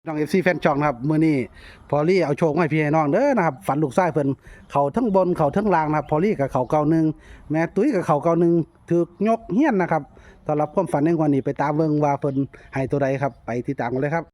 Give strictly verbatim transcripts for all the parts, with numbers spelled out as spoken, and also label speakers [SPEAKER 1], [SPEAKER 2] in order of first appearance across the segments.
[SPEAKER 1] น้อง เอฟ ซี แฟนช่องนะครับมื้อนี้พอลี่เอาโชคมาให้พี่ให้น้องเด้อนะครับฝันลูกชายเพิ่นเขาทั้งบนเขาทั้งล่างนะครับพอลี่กับเขาเก่าหนึ่งแม่ตุ้ยกับเขาเก่าหนึ่งถูกยกเฮี้ยนนะครับสำหรับความฝันในวันนี้ไปตามเบิ่งว่าเพิ่นให้ตัวใดครับไปติดตามกันเลยครับ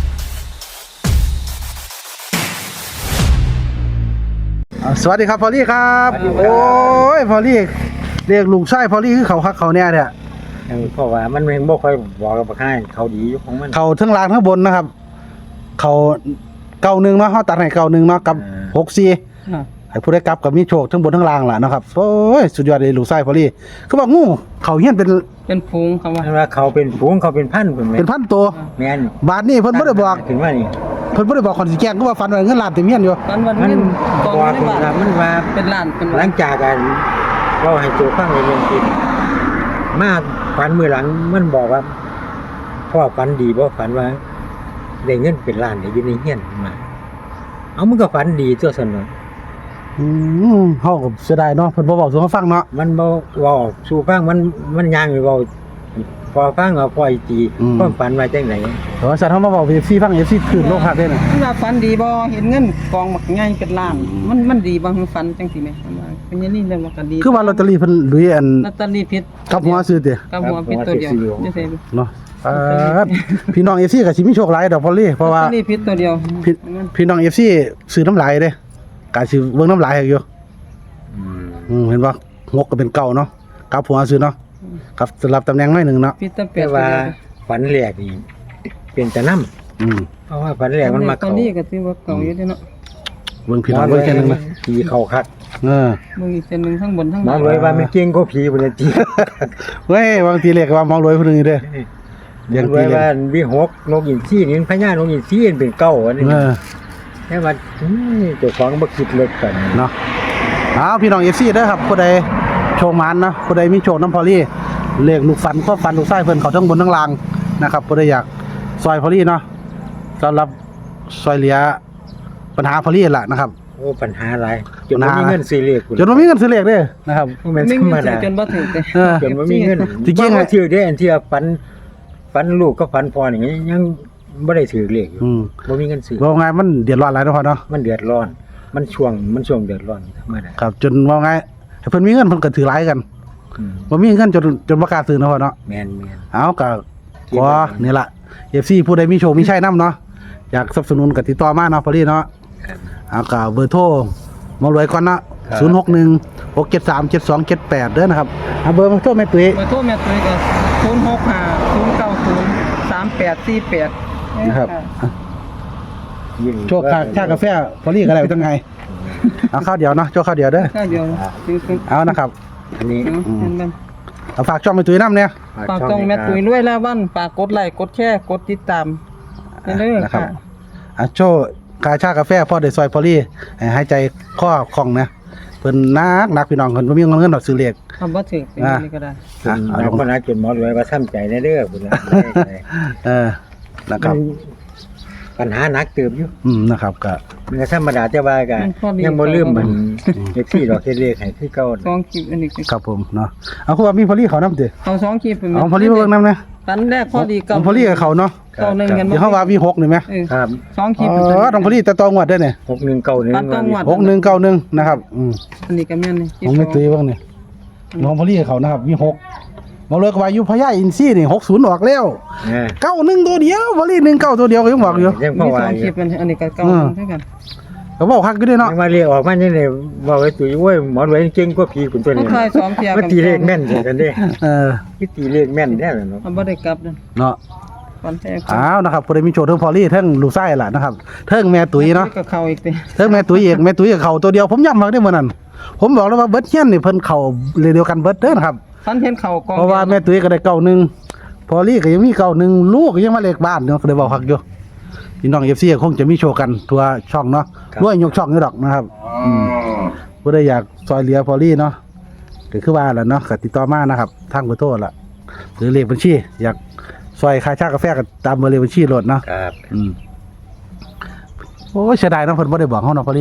[SPEAKER 1] อ่าสวัสดีครับพอลี่ครับโอ้ยพอลี่เรียกลูกชายพอลี่คือเขาคักเขาแน่เนี่ย
[SPEAKER 2] เพราะว่ามันเองบ่ค่อยบอกกับใครเขาดีอยู่ของมัน
[SPEAKER 1] เขาทั้งล่างทั้งบนนะครับเขาเก่าหนึ่งเนาะเขาตัดให้เก่าหนึ่งเนาะกับหกสี่ให้ผู้ได้กลับกับมีโชคทั้งบนทั้งล่างล่ะนะครับโอ้ยสุดยอดเลยลูกไส้พอลี่คือบอกงูเขาเฮี้ยนเป็น
[SPEAKER 3] เป็นพุงเขาว่า
[SPEAKER 2] มันว่าเขาเป็นฝูงเขาเป็นพันเพิ่นแม่
[SPEAKER 1] เป็นพันตัว
[SPEAKER 2] แม่น
[SPEAKER 1] บาทนี่เพิ่นบ่ได้บอก
[SPEAKER 2] ถึงว่านี่
[SPEAKER 1] เพิ่นบ่ได้บอกคนสิแกล้งก็ว่าฟันว่าเงินล้านเต็มเฮี้ยนอยู่
[SPEAKER 3] ตอนวัน
[SPEAKER 2] มัน
[SPEAKER 3] นี้กอง
[SPEAKER 2] บอก
[SPEAKER 3] ไม่ได้
[SPEAKER 2] ว่า
[SPEAKER 3] บาท
[SPEAKER 2] มันว่า
[SPEAKER 3] เป็นล้านเป็น
[SPEAKER 2] ห
[SPEAKER 3] ล้า
[SPEAKER 2] ลั
[SPEAKER 3] น
[SPEAKER 2] งจากกันเราให้โจฟังในเรื่องจริงมาฝันมื้อหลังมันบอกว่าพ่อฝันดีบ่ฝันว่าได้เงินเป็นล้านได้อยู่ในเฮียนมาเอามันก็ฝันดีตัวซั่นเนาะ
[SPEAKER 1] อืมเฮาก็เสียดายเนาะเพิ่นบ่บอกสู่เฮาฟังเนาะ
[SPEAKER 2] มันบ่เว้าสู่ฟังมันมันย่างไปเว้าพอฟังเอาพออีตีความฝันว่าจังได๋
[SPEAKER 1] แต่ว่าสัตว์เฮามาบอก เอฟ ซี ฟัง เอฟ ซี ตื่นโลกคักเด้น่ะ
[SPEAKER 3] มันว่าฝันดีบ่เห็นเงินกองบักใหญ่เป็นล้าน มันมันดีบ่คือฝันจังซี่แหมมันว่าเป็นอย่างนี้เรื่องว่าก็ดี
[SPEAKER 1] คือว่าลอตเตอรี่เพิ่นลุยอัน
[SPEAKER 3] ลอตเตอรี่ผิด
[SPEAKER 1] กับหัวซื้อติ
[SPEAKER 3] กับหัวผิดตัวเดียวจังซี่
[SPEAKER 1] เนาะอ่าพี่น้อง เอฟ ซี ก็สิมีโชคหลายดอกพอลี่เพราะว่า
[SPEAKER 3] ลอตเตอรี่ผิดตัวเดียว
[SPEAKER 1] พี่พี่น้อง เอฟ ซี ซื้อน้ำลายเด้กาสิเบิ่งน้ำลายให้อยู่
[SPEAKER 2] อืม
[SPEAKER 1] อืมเห็นบ่งกก็เป็นเก่าเนาะกลับหัวซื้อเนาะครับสลับตำแหน่งหน่อยหนึงเนาะ
[SPEAKER 3] ผิดแต่เปรี
[SPEAKER 2] แต่
[SPEAKER 3] ยบ
[SPEAKER 2] ว่าฝันแรกนี่เป็นแต่น้ำ
[SPEAKER 1] อืม
[SPEAKER 2] เพราะว่าฝันแรกมันมา
[SPEAKER 3] ตอน
[SPEAKER 2] เข้า
[SPEAKER 3] นี้ก็ถือว่าเก่าอยู่เด้เนาะ
[SPEAKER 1] เบิ่งพี่น้องเบิ่งแค่นึงนะ
[SPEAKER 2] ผีเข้าคัก
[SPEAKER 1] เออ
[SPEAKER 3] มึงอีกเส้นนึงทั้งบนทั้ง
[SPEAKER 2] หมอ
[SPEAKER 3] ล่าง
[SPEAKER 2] เลยว่ามันเก่งกว่าผีบ่ได้ติ
[SPEAKER 1] เว้ยบางทีเรียกว่ามองรวยผู้หนึงอยู่เด้อ
[SPEAKER 2] เรียกว่าวิหกนกอินทรีนี่พญานกอินทรีเป็นเก้าอันนี้
[SPEAKER 1] เออ
[SPEAKER 2] แต่ว่าอืมเจ้าของบ่คิดเลิกกัน
[SPEAKER 1] เนาะเอาพี่น้อง เอฟ ซี เด้อครับผู้ใดโชคมันเนาะผู้ใดมีโชคน้ำพอลี่เลขลูกฟันความฟันลูกไส้เพิ่นเขาทั้งบนทั้งล่างนะครับผู้ใดอยากซอยพอลี่เนาะสำหรับซอยเหลือปัญหาพอลี่ล่ะนะครับ
[SPEAKER 2] โอ้ปัญหาหลายจนบ่มีเงินซื้อเลข
[SPEAKER 1] จนบ่มีเงินซื้อเลขเด้อนะครับ
[SPEAKER 2] บ่แม่น
[SPEAKER 3] ไม่
[SPEAKER 2] ธร
[SPEAKER 3] มี
[SPEAKER 2] รม
[SPEAKER 3] เงิน
[SPEAKER 2] ดา
[SPEAKER 3] จนบ่ถึงแต่
[SPEAKER 1] เออ
[SPEAKER 2] จนบ่มีเงิน
[SPEAKER 1] จริงๆ
[SPEAKER 2] บ่ถือได้อันที่ว่าฝันฝันลูกก็ฝันพ่อนี่ยังบ่ได้ถือเลขอยู่
[SPEAKER 1] อืม
[SPEAKER 2] บ่มีเงินซื้อ
[SPEAKER 1] ว่าไงมันเดือดร้อนหลายเนาะพ่อเนาะ
[SPEAKER 2] มันเดือดร้อน มันช่วงมันช่วงเดือดร้อนธรรมดา
[SPEAKER 1] ครับจนว่าไงให้เพิ่นมีเงินเพิ่นก็ถือหลายกัน
[SPEAKER 2] อืม
[SPEAKER 1] บ่มีเงินจนจนบ่กล้าซื้อเนาะพ่อเนาะ
[SPEAKER 2] แม่นแม่น
[SPEAKER 1] เอาก็ขอนี่ล่ะ เอฟ ซี ผู้ใดมีโชคมีชัยนํเนาะอยากสนับสนุนก็ติดต่อมาเนาะพอลี่เนาะ
[SPEAKER 2] ครับ
[SPEAKER 1] เอาก็เบอร์โทรหมารวยก่อนเนาะศูนย์หกหนึ่ง หกเจ็ดสาม เจ็ดสองเจ็ดแปดเด้อนะครับเอาเบอร์มาโทรแม่ตุ้ย
[SPEAKER 3] เบอร์โทรแม่ตุ้ยก็ศูนย์หกห้า ศูนย์เก้าศูนย์ สามแปดสี่แปด
[SPEAKER 1] นะครับ
[SPEAKER 2] ยิ่ง
[SPEAKER 1] โชคค่าชากาแฟพอลี่ก็ได้จังไงเอาข้าวเดียวเนาะโชคข้าวเดียวเด้อ
[SPEAKER 3] ข้าวเดียวจริงๆ
[SPEAKER 1] เอานะครับ
[SPEAKER 2] อันนี้
[SPEAKER 3] เนาะเห็นมัน
[SPEAKER 1] เอาฝากช่องแม่ตุ้ยนํเนี่ย
[SPEAKER 3] ฝากต้องแม่ตุ้ยรวยแล้ววันฝากกดไลค์กดแชร์กดติดตามไปเด้อ
[SPEAKER 1] นะครับ
[SPEAKER 3] ค่ะ
[SPEAKER 1] อ่ะโชคกาชากาแฟพ่อได้ซอยพอลี่ให้หายใจข้อคล่องนะเพิ่นนักนักพี่น้องเพิ่นบ่มีเงินดอกซื้อเลข
[SPEAKER 3] ทำบ่ถึงเป็นอย่างนี้ก็ได้
[SPEAKER 2] อ่ะเอาคนหาจนหมอรวยว่าซ้ำใจแน่เด้อพุ่นล่ะ
[SPEAKER 1] เออนะครับ
[SPEAKER 2] ปัญหาหนักเติบอยู่
[SPEAKER 1] อืมนะครับก็
[SPEAKER 2] มันก็ธรรมดาแต่ว่าก็ยังบ่ลืมมันเอฟซีดอกเฮ็ดเลขให้คือเก่า
[SPEAKER 3] สองคลิปอันนี้
[SPEAKER 1] ครับผมเนาะเอาคือว่ามีพอลี่เขานำติ
[SPEAKER 3] เอาสองคลิปเป็น
[SPEAKER 1] เอาพอลี่มาเบิ่งนำนะ
[SPEAKER 3] ตันแรกพอดี
[SPEAKER 1] ของพอลี่กับเขาเนาะ
[SPEAKER 3] เก้าหนึ่งกัน
[SPEAKER 1] เดี๋ยวเฮาว่ามีหกนี่แหม
[SPEAKER 3] เออ
[SPEAKER 2] ครับ
[SPEAKER 3] สองค
[SPEAKER 1] อ๋
[SPEAKER 3] ลิป
[SPEAKER 1] อต้องพอลี่แต่ตองวดเด้อเนี่ย
[SPEAKER 2] หกหนึ่งเก้าหนึ่ง
[SPEAKER 3] ปัดต้องวัด
[SPEAKER 1] หกหนึ่งเก้าหนึ่งนะครับอืม
[SPEAKER 3] อันนี้ก็แม่นนี่
[SPEAKER 1] ผมไม่ตีเบิ่งนี่น้องพอลี่กับเขานะครับมีหกบ่เลยก็ว่าอยู่พญาอินทรีนี่หกสิบออกแล้ว
[SPEAKER 2] เออ
[SPEAKER 1] เก้าหนึ่งตัวเดียวพอลี่หนึ่งเก้าตัวเดียวก็ยังบอกอยู่
[SPEAKER 2] ยังพ
[SPEAKER 3] มี
[SPEAKER 2] อ
[SPEAKER 3] ส
[SPEAKER 2] ว่า
[SPEAKER 3] อง
[SPEAKER 2] อ
[SPEAKER 3] คลิ
[SPEAKER 2] ยู่
[SPEAKER 3] ปมันอันนี้ก็เก้า
[SPEAKER 1] อืม
[SPEAKER 3] เท่ากัน
[SPEAKER 1] ก็บอกคักอยู่เด้อเนาะ
[SPEAKER 2] ยังว่าเลขออกมาจังได๋ว่าไว้ตุ้ยโอ้ยหมอรวยเก่งกว่าผีพุ่นตัว
[SPEAKER 3] เขา
[SPEAKER 2] นี้
[SPEAKER 3] ทายสองเทีย
[SPEAKER 2] มันตีเลขแม่นจังกันเด้
[SPEAKER 1] เออ
[SPEAKER 2] คือตีเลขแม่นแท้เนาะ
[SPEAKER 3] มันบ่ได้กลับนั่น
[SPEAKER 1] เนาะ
[SPEAKER 3] ก่อนแท้
[SPEAKER 1] อ้าวนะครับผู้ใดมีโชคเทิงพอลี่เทิงลูกไส้ล่ะนะครับเทิงแม่ตุ้ยเนาะ
[SPEAKER 3] ก็เข้าอีกติ
[SPEAKER 1] เทิงแม่ตุ้ยเอกแม่ตุ้ยกับเขาตัวเดียวผมย้ำมาได้อมื้อนั้นผมบอกแล้วว่าเบิดเฮียนนี่เพิ่นเข้าเลยเดียวกันเบิดเด้อนะครับ
[SPEAKER 3] ฟันเห็นเข่ากอง
[SPEAKER 1] เพราะว่าแม่ตุ้ยก็ได้เก้าหนึ่งพอลี่ก็ยังมีเก้าหนึ่งลูกก็ยังมาเลขบ้านเนาะก็ได้บอกคักอยู่พี่น้อง เอฟ ซี คงจะมีโชว์กันทั่วช่องเนาะด้วยยกช่องอยู่ดอกนะครับอืมผู้ใดอยากซอยเหลือพอลี่เนาะก็คือว่าแหละเนาะก็ติดต่อมานะครับทางเบอร์โทรล่ะหรือเลขบัญชีอยากซอยค่าชากาแฟก็ตามเบอร์เลขบัญชีโหลดเนาะ
[SPEAKER 2] ครับ
[SPEAKER 1] อืมโอ้ยเสียดายเนาะเพิ่นบ่ได้บอกเฮาเนาะพอลี่เนาะ
[SPEAKER 2] ค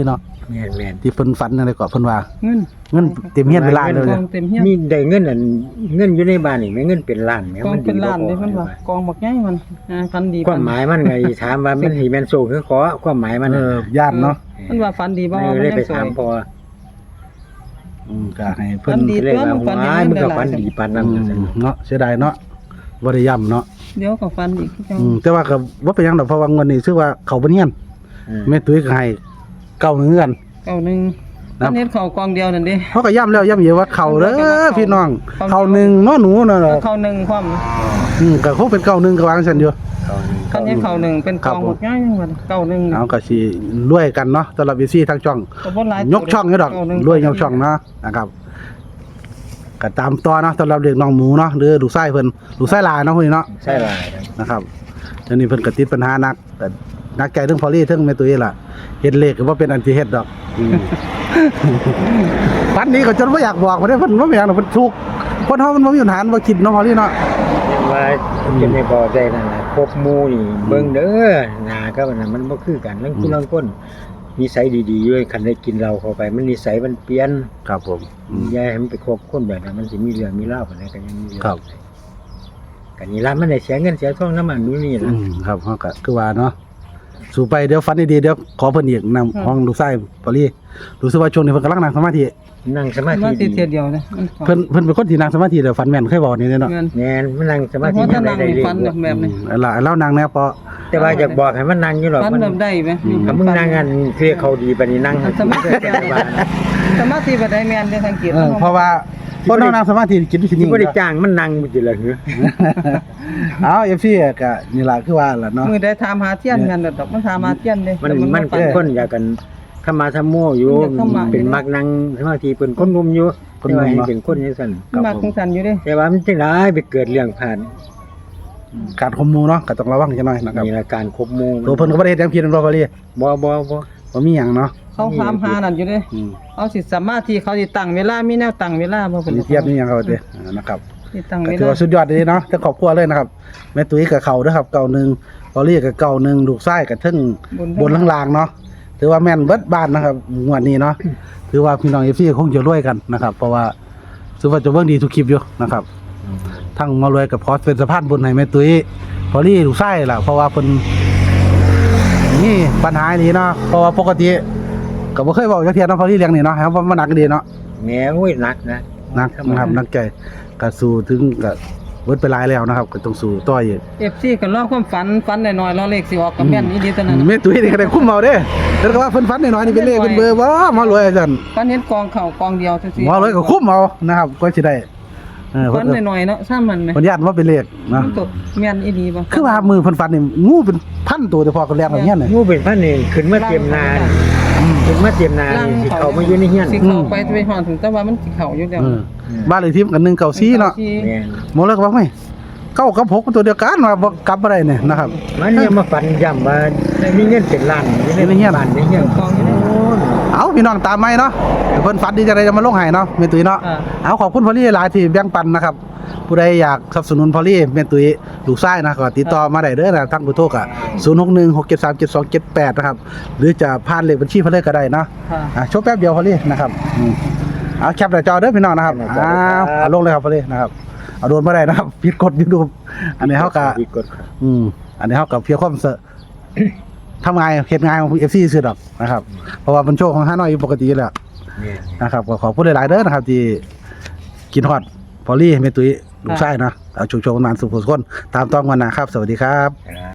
[SPEAKER 2] แม่นแม่น
[SPEAKER 1] ที่เพิ่นฝันอะไรก็เพิ่นว่า
[SPEAKER 3] เงิน
[SPEAKER 1] เงินเต็มเฮียนเป็นล้านเลย
[SPEAKER 3] กองเต็มเฮียน
[SPEAKER 2] มีได้เงินอันเงินอยู่ในบ้านนี่แม่เงินเป็นล้านแม่
[SPEAKER 3] กอง
[SPEAKER 2] มัน
[SPEAKER 3] เป็น
[SPEAKER 2] ดี
[SPEAKER 3] ล้านเลย
[SPEAKER 2] บ่
[SPEAKER 3] เพิ่นว่ากองบักใหญ่มันอ่าฟันดี
[SPEAKER 2] ความหมายมันไงถามว่ามันสิแม่นโซคือขอความหมายมัน
[SPEAKER 1] เออย่านเนาะ
[SPEAKER 3] มันว่าฟันดีบ่
[SPEAKER 2] เออ
[SPEAKER 3] มัน
[SPEAKER 2] เลย
[SPEAKER 3] ยัง
[SPEAKER 2] ไป
[SPEAKER 3] สว
[SPEAKER 2] ถาม
[SPEAKER 3] ย
[SPEAKER 2] พอ
[SPEAKER 1] อืมก็ให้เพิ่น
[SPEAKER 3] ฝันดี
[SPEAKER 2] เลยว่า
[SPEAKER 3] ฝันดี
[SPEAKER 2] ว้ายมันก็
[SPEAKER 3] หลายๆ
[SPEAKER 2] ฝันดีปานนั้น
[SPEAKER 1] อืมเนาะเสียดายเนาะบ่ได้ย้ำเนาะ
[SPEAKER 3] เดี๋ยวก็ฟันอีกคือจัง
[SPEAKER 1] อืมแต่ว่าก็บ่เป็นหยังดอกเพราะว่างวดนี้ชื่อว่าเขาบ่เนียน
[SPEAKER 2] อืม
[SPEAKER 1] แม่ตุ้ยก็ให้เก้าหนึ่งกัน
[SPEAKER 3] เก้าหนึ่ง
[SPEAKER 1] ครับ
[SPEAKER 3] อันนี้เขากองเดียวนั่นเด้
[SPEAKER 1] เขาก็ย้ำแล้วย้ำอีกว่าเขาเด้อพี่น้อง
[SPEAKER 3] เขา
[SPEAKER 1] เขาหนึ่งเนาะหนูเนาะ
[SPEAKER 3] เขาหนึ่งความ
[SPEAKER 1] อืมก็คงเป็นเก้าหนึ่งก็วางซั่นอยู่
[SPEAKER 3] คันนี้เขาหนึ่งเป็นกองบักใหญ่จังว่าเก้าหนึ่ง
[SPEAKER 1] เอาก็สิรวยกันเนาะสำหรับ วี ซี ทางช่อง
[SPEAKER 3] ก็บ่หลาย
[SPEAKER 1] ยกช่องอยู่ดอก
[SPEAKER 3] เาหนึ่
[SPEAKER 1] รวยยกช่องเนาะนะครับก็ตามต่อเนาะสำหรับเด็กน้องหมูเนาะหรือลูกไส้เพิ่นลูกไส้ลายเนาะพวกนี้เนาะ
[SPEAKER 2] ใช่หลาย
[SPEAKER 1] นะครับอันนี้เพิ่นก็ติดปัญหานักแต่นักใจเรื่องพอลี่เรื่องแม่ตุ้ยล่ะเฮ็ดเลขก็บ่เป็นอันที่เฮ็ดดอกอืม ปันนี้ก็จนบ่อยากบอกบ่ได้เพิ่นบ่มีหยังดอกเพิ่นทุกข์คนเฮามันบ่มีปัญหาบ่คิดเนาะพอลี่เนาะ
[SPEAKER 2] ยังว่าจะไม่บอกได้นั่นน่ะครบหมู่นี่เบิ่งเด้อหน้าก็มันน่ะมันบ่คือกันลังผู้ลังคนนิสัยดีๆอยู่คันได้กินเหล้าเข้าไปมันนิสัยมันเปลี่ยน
[SPEAKER 1] ครับผมอืม
[SPEAKER 2] อย่าให้มันไปคบคนแบบนั้นมันสิมีเรื่องมีราวปานใดก็ยังมีเรื่อง
[SPEAKER 1] ครับ
[SPEAKER 2] กันนี่ล่ะมันได้เสียเงินเสียทองน้ำมันนู่นนี่
[SPEAKER 1] อื
[SPEAKER 2] ล่ะ
[SPEAKER 1] มครับเฮาก็คือว่าเนาะสู่ไปเดี๋ยวฝันดีๆเดี๋ยวขอเพิ่นอีกนำห้องลูกไส้พอลี่รู้สึกว่าช่วงนี้เพิ่นกำลังนั่งสมาธิ
[SPEAKER 2] นั่งสมา
[SPEAKER 3] มา
[SPEAKER 2] ธิ
[SPEAKER 3] สิ
[SPEAKER 2] ดี
[SPEAKER 3] เทียเดียวนะมัน
[SPEAKER 1] เพิ่นเพิ่นเป็นคนที่นั่งสมาธิแล้วฝันแม่นเคยบอกนี่เนาะ
[SPEAKER 3] เงิน
[SPEAKER 2] แม่นมันนั่งสมา
[SPEAKER 3] เพ
[SPEAKER 2] ธิ
[SPEAKER 3] ราะถ้า
[SPEAKER 2] ได้
[SPEAKER 3] นั่ง
[SPEAKER 2] ได้เรื่
[SPEAKER 3] ฟัน
[SPEAKER 2] อย
[SPEAKER 3] แบบนี้
[SPEAKER 1] อืมแล้วแล้วนางแน่ปอ
[SPEAKER 2] แต่ว่าอยากบอกให้มันนั่งอยู่หรอก
[SPEAKER 3] ฟัน
[SPEAKER 2] มัน
[SPEAKER 3] แบบได้ไหม
[SPEAKER 2] ถ้ามึงนั่งกันคือเขาดีปานนี้นั่ง
[SPEAKER 3] สมาธิสมาธิบ่ได้แม่นได้สังเกต
[SPEAKER 1] เออเพราะว่าคนนั่งสมาธิจิตวิญ
[SPEAKER 2] ที่
[SPEAKER 1] ญาณ
[SPEAKER 2] บ่ได้จ้างมันนั่งบ่จิล่ะหือ
[SPEAKER 1] เอา เอฟ ซี ก็นี่ล่ะคือว่าล่ะเนาะ
[SPEAKER 3] มือได้ถามหาเทียนกันดอกมันถามหาเทียนเด้
[SPEAKER 2] มัน
[SPEAKER 3] แต่
[SPEAKER 2] มัน
[SPEAKER 3] ฟั
[SPEAKER 2] เป็นคนอยากกันเข้ามาทำโมอยู่
[SPEAKER 3] อยากเข้ามา
[SPEAKER 2] เป็นมักนั่งสมาธิเป็นคนหนุ่มอยู่แต่ว่าให้เป็นคนจังซั่น
[SPEAKER 3] มันมาของสันอยู่เด้
[SPEAKER 2] แต่ว่ามันจังได๋ไปเกิดเรื่องผ่าน
[SPEAKER 1] การข่มหมู่เนาะก็ต้องระวังจังหน่อยนะครับ
[SPEAKER 2] มีอาการครบหมู่
[SPEAKER 1] ตัวเพิ่นก็บ่ได้เฮ็ดหยังผิดนำบ่พอลี่
[SPEAKER 2] บ่บ่บ่
[SPEAKER 1] บ่มีหยังเนาะ
[SPEAKER 3] เขาถามหานั่นอยู่เด้
[SPEAKER 1] อืม
[SPEAKER 3] เอาสิสมาธิเขาสิตั้งเวลามีแนวตั้งเวลาบ่
[SPEAKER 1] เพิ่
[SPEAKER 3] เพิ่
[SPEAKER 1] น
[SPEAKER 3] น
[SPEAKER 1] เทียบนี่หยังเขาเด้อ่านะครับ
[SPEAKER 3] สิตั้ง
[SPEAKER 1] ก็
[SPEAKER 3] เว
[SPEAKER 1] ถือ
[SPEAKER 3] ลา
[SPEAKER 1] ว่าสุดยอดเลยเนาะทั้งครอบครัวเลยนะครับแม่ตุ้ยกับเขาเด้อครับเก่าหนึ่งพอลี่กับเก่าหนึ่งลูกชายกับทึ่งบนล่างๆเนาะถือว่าแม่นเบิดบ้านนะครับงวดนี้เนาะถือว่าพี่น้อง เอฟ ซี คงจะรวยกันนะครับ เพราะว่าถือว่าจะเบิ่งดีทุกคลิปอยู่นะครับ ทั้งมารวยกับพอสเป็นสะพานบุญให้แม่ตุ้ยพอลี่ลูกชายล่ะเพราะว่าเพิ่นนี่ปัญหานี้เนาะเพราะว่าปกติก็บ่เคยเว้าจักเที่ยเนาะพอลี่เลี้ยงนี่เนาะครับว่ามันหนักดีเนาะ
[SPEAKER 2] แหมโอ้ยหนักนะ
[SPEAKER 1] หนักนะครับหนักใจก็สู้ถึงก็เบิดไปหลายแล้วนะครับก็ต้องสู้ต่ออีก
[SPEAKER 3] เอฟซีก็รอความฝันฝันหน่อยๆรอเลขสิออกกับแม่นอีดีเท่านั้น
[SPEAKER 1] แม่ตุ้ยนี่ก็ได้คุ้มเอาเด้แล้วก็ว่าเพิ่นฝันน้อยๆนี่เป็นเลขเป็นเบอร์บ่มารวยอาจารย์
[SPEAKER 3] ฝันเห็นกองเข่ากองเดียวซื่อ
[SPEAKER 1] มารวยก็คุ้มเอานะครับก็สิได้เออ
[SPEAKER 3] ฝั
[SPEAKER 1] เพิ่
[SPEAKER 3] น
[SPEAKER 1] น
[SPEAKER 3] หน่อยๆเนาะซ้ำมันไหม
[SPEAKER 1] เพิ่นญาติว่าเป็นเลข
[SPEAKER 3] มั
[SPEAKER 1] เนาะ
[SPEAKER 3] นตกแม่นอีดีบ่
[SPEAKER 1] คือว่ามือเพิ่นฝันนี่งูเป็นพันตัวแต่พอก็แลกแบบเนี้ยน่ะ
[SPEAKER 2] งูเป็นพันนี่ขึ้นมาเตรียมนาขึ้นมาเตรียมนานี่สิเข้ามาอยู่ในเฮียน
[SPEAKER 3] สิเข้าไปไปฮอดถึงแต่ว่ามันสิเข้าอยู่แล้ว
[SPEAKER 1] เออบ้านเลขที่มันก็หนึ่งเก้าสี่เนาะ
[SPEAKER 2] แม่น
[SPEAKER 1] หมดแล้วก็ว่าไม่เก้ากับหกมันตัวเดียวกันว่าบ่กลับบ่ได้เนี่ยนะครับ
[SPEAKER 2] มันเนี่ยมาฝันย้ำว่ามีเงินเป็นล้านอยู่ในเฮียนบ้านในเฮียน
[SPEAKER 3] กองอยู่แล้ว
[SPEAKER 1] เอาพี่น้องตามไหมเนาะเพิ่นฝันดีจังได๋จะมาลงให้เนาะแม่ตุ้ยเนาะ
[SPEAKER 3] อ่า
[SPEAKER 1] เอาขอบคุณพอลี่หลายที่แบ่งปันนะครับ ผู้ใดอยากสนับสนุนพอลี่แม่ตุ้ยลูกชายนะก็ติดต่อมาได้เด้อนะทางเบอร์โทรก็ศูนย์ หก หนึ่ง หก เจ็ด สาม เจ็ด สอง เจ็ด แปดนะครับหรือจะผ่านเลขบัญชีเพิ่นเลยก็ได้เนาะ
[SPEAKER 3] ค่ะ
[SPEAKER 1] อ่ะโชว์แป๊บเดียวพอลี่นะครับอืมเอาแคปหน้าจอเด้อพี่น้องนะครับอ้าวเอาลงเลยครับพอลี่นะครับเอาโดนบ่ได้นะครับผิดกฎ YouTube อันนี้เฮาก็
[SPEAKER 2] ผิดกฎครับ
[SPEAKER 1] อืมอันนี้เฮาก็เพียงความเสอะ ทำงานเฮ็ดงานของ เอฟ ซี ซื่อดอกนะครับเพราะว่ามันโชว์ของฮานอยอยู่ปกติอยู่แล้ว
[SPEAKER 2] แม่น
[SPEAKER 1] นะครับก็ขอพูดหลายๆเด้อนะครับที่กินฮอดพอลี่แม่ตุ้ยลูกชายเนาะเอาโชว์ๆกันมาสุขสุขคนตามต้องวันนะครับ สวัสดีครับ